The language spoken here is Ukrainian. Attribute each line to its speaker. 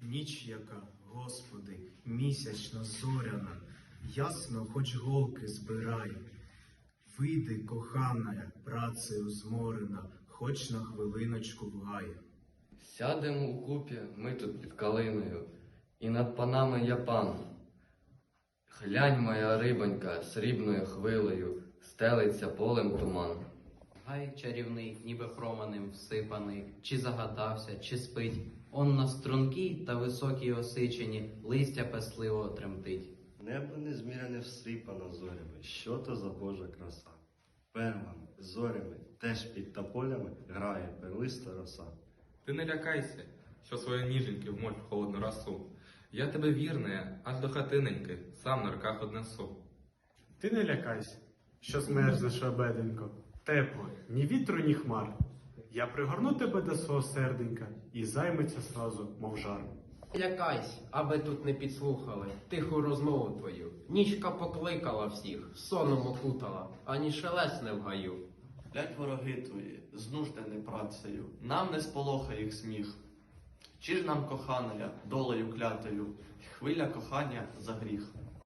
Speaker 1: Ніч яка, Господи, місячно зоряна, ясно хоч голки збирай. Вийди, кохана, працею зморена, хоч на хвилиночку в гай.
Speaker 2: Сядемо укупі ми тут під калиною, і над панами я пан. Глянь, моя рибонька, срібною хвилею, стелиться полем туман.
Speaker 3: Гай чарівний, ніби променем всипаний, чи загадався, чи спить. Он на стрункій та високій осичині листя песливо тремтить.
Speaker 4: Небо незміряне всипано зорями, що то за Божа краса. Перлами, зорями, теж під тополями грає перлиста роса.
Speaker 5: Ти не лякайся, що свої ніженьки вмоль в холодну росу. Я тебе вірне, аж до хатиненьки, сам на руках однесу.
Speaker 6: Ти не лякайся, що змерзнеш, обеденько. Тепло, ні вітру, ні хмар. Я пригорну тебе до свого серденька і займеться сразу, мов жар.
Speaker 7: Лякайсь, аби тут не підслухали тиху розмову твою. Нічка покликала всіх, соном окутала, ані шелесне в гаю.
Speaker 8: Блять вороги твої, знуждені працею, нам не сполохає їх сміх. Чи ж нам коханая, долею клятою, хвиля кохання за гріх.